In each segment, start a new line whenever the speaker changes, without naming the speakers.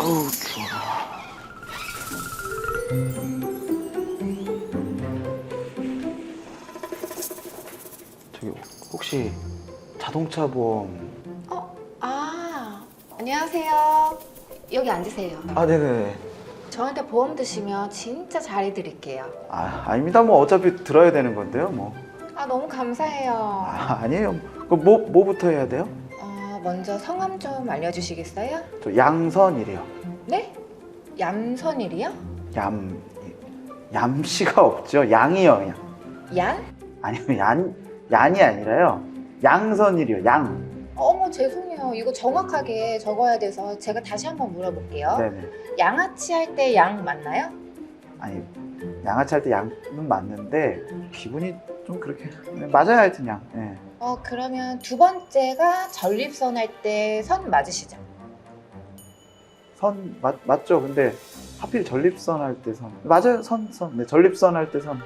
아우 추워. 저기 혹시 자동차 보험?
안녕하세요. 여기 앉으세요.
아 네네.
저한테 보험 드시면 진짜 잘해드릴게요.
아닙니다. 뭐 어차피 들어야 되는 건데요. 뭐.
너무 감사해요.
아니에요. 그럼 뭐부터 해야 돼요?
먼저 성함 좀 알려주시겠어요?
저 양선이래요.
네? 얌선일이요?
얌씨가 없죠. 양이요, 그냥.
얀?
아니요, 얀이 아니라요. 양선일이요. 양.
어머 죄송해요. 이거 정확하게 적어야 돼서 제가 다시 한번 물어볼게요.
네네.
양아치 할 때 양 맞나요?
아니 양아치 할 때 양은 맞는데 기분이 좀 그렇게 맞아야 하여튼 양. 네.
그러면 두 번째가 전립선 할 때 선 맞으시죠?
선 맞죠? 근데 하필 전립선 할 때 선 맞아요. 선. 네, 전립선 할 때 선.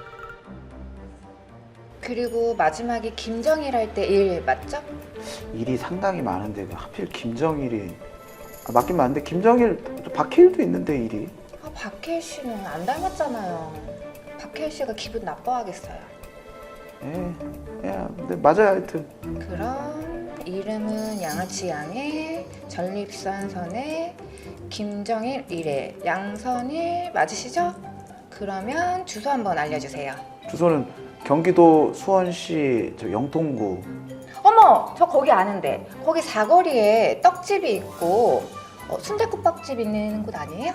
그리고 마지막에 김정일 할 때 일 맞죠?
일이 상당히 많은데 왜 하필 김정일이 맞긴 맞는데 김정일 박해일도 있는데 일이.
박해일 씨는 안 닮았잖아요. 박해일 씨가 기분 나빠하겠어요.
근데 맞아요 하여튼.
그럼 이름은 양아치 양의 전립선 선의 김정일 일의 양선일 맞으시죠? 그러면 주소 한번 알려주세요.
주소는 경기도 수원시 저 영통구.
어머, 저 거기 아는데. 거기 사거리에 떡집이 있고 순댓국밥집 있는 곳 아니에요?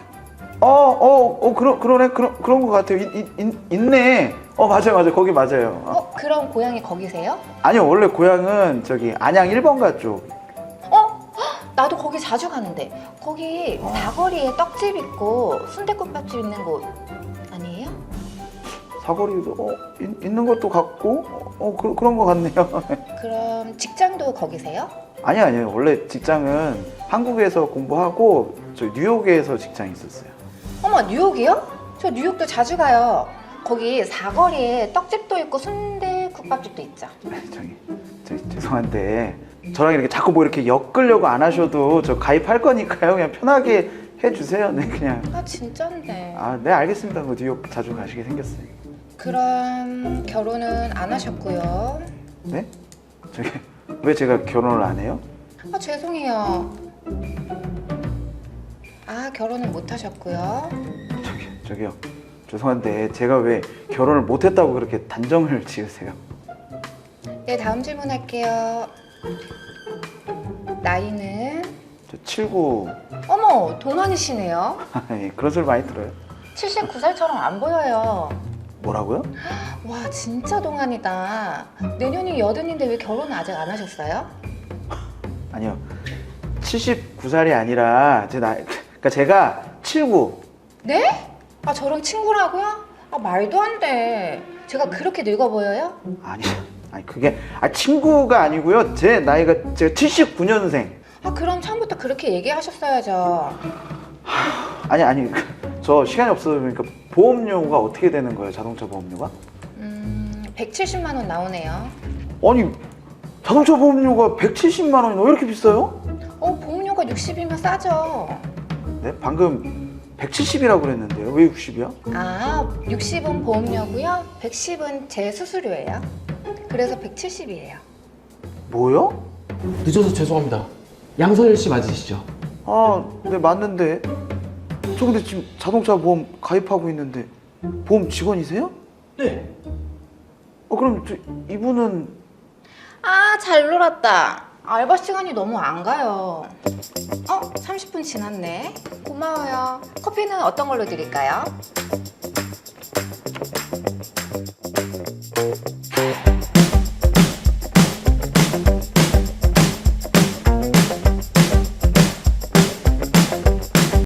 그러네. 그런 것 같아요. 있네. 맞아요. 거기 맞아요.
그럼 고향이 거기세요?
아니요, 원래 고향은 저기 안양 1번가 쪽.
나도 거기 자주 가는데. 거기 사거리에 떡집 있고 순댓국밥집 있는 곳 아니에요?
사거리도 있는 것도 같고 그런 것 같네요.
그럼 직장도 거기세요?
아니요. 원래 직장은 한국에서 공부하고 저 뉴욕에서 직장 있었어요.
어머, 뉴욕이요? 저 뉴욕도 자주 가요. 거기 사거리에 떡집도 있고 순대국밥집도 있죠.
저기 죄송한데 저랑 이렇게 자꾸 뭐 이렇게 엮으려고 안 하셔도 저 가입할 거니까요. 그냥 편하게 해주세요. 네, 그냥.
진짠데.
네, 알겠습니다. 뭐 뉴욕 자주 가시게 생겼어요.
그럼 결혼은 안 하셨고요.
네? 저기 왜 제가 결혼을 안 해요?
죄송해요. 결혼은 못 하셨고요.
저기요. 죄송한데 제가 왜 결혼을 못 했다고 그렇게 단정을 지으세요?
네, 다음 질문 할게요. 나이는?
저 79.
어머, 동안이시네요.
그런 소리 많이 들어요.
79살처럼 안 보여요.
뭐라고요?
와, 진짜 동안이다. 내년이 여든인데 왜 결혼을 아직 안 하셨어요?
아니요. 79살이 아니라 제 나이, 그러니까 제가 79.
네? 저랑 친구라고요? 말도 안 돼. 제가 그렇게 늙어 보여요?
아니 그게 친구가 아니고요. 제 나이가 제가 79년생.
그럼 처음부터 그렇게 얘기하셨어야죠.
아니 저 시간이 없어서 그러니까 보험료가 어떻게 되는 거예요? 자동차 보험료가?
170만 원 나오네요.
아니 자동차 보험료가 170만 원이나 왜 이렇게 비싸요?
보험료가 60이면 싸죠.
네? 방금 170이라고 그랬는데요. 왜 60이야?
60은 보험료고요. 110은 제 수수료예요. 그래서 170이에요.
뭐요?
늦어서 죄송합니다. 양선일 씨 맞으시죠?
네 맞는데 저 근데 지금 자동차 보험 가입하고 있는데 보험 직원이세요?
네.
그럼 이분은
잘 놀았다. 알바 시간이 너무 안 가요. 30분 지났네. 고마워요. 커피는 어떤 걸로 드릴까요?